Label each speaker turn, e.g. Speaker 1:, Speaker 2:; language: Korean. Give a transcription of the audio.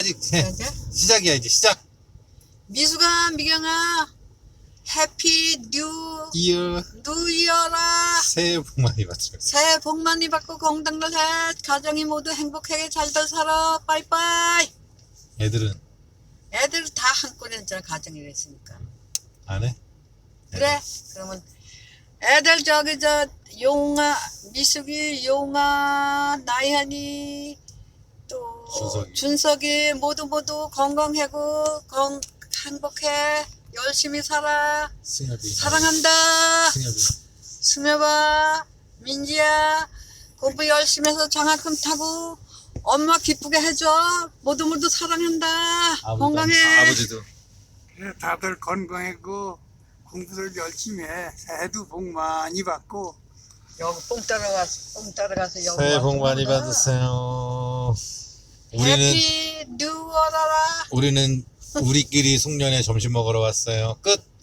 Speaker 1: 아직
Speaker 2: 이제
Speaker 1: 시작이야. 이제 시작.
Speaker 2: 미숙아, 미경아, 해피
Speaker 1: 이어
Speaker 2: 뉴이어라.
Speaker 1: 새해 복 많이 받으세요.
Speaker 2: 새해 복 많이 받고 건강들 해. 가정이 모두 행복하게 잘들 살아. 빠이빠이.
Speaker 1: 애들은
Speaker 2: 애들 다 한꺼번에 했잖아. 가정이 됐으니까.
Speaker 1: 안 해?
Speaker 2: 그래. 그러면 애들 저기 용아, 미숙이, 용아, 나현이, 또 준석이 모두 건강하고 행복해. 열심히 살아.
Speaker 1: 승엽이
Speaker 2: 사랑한다.
Speaker 1: 승엽이
Speaker 2: 수며봐. 민지야, 공부 열심히 해서 장학금 타고 엄마 기쁘게 해줘. 모두 사랑한다. 건강해.
Speaker 1: 아버지도
Speaker 3: 그래, 다들 건강하고 공부를 열심히 해. 새해도 복 많이 받고.
Speaker 2: 여기 뽕 따라가서 여기
Speaker 1: 새해 복
Speaker 2: 와서
Speaker 1: 많이
Speaker 2: 먹어.
Speaker 1: 받으세요. 우리는
Speaker 2: 해피 뉴어라.
Speaker 1: 우리끼리 송년회 점심 먹으러 왔어요. 끝.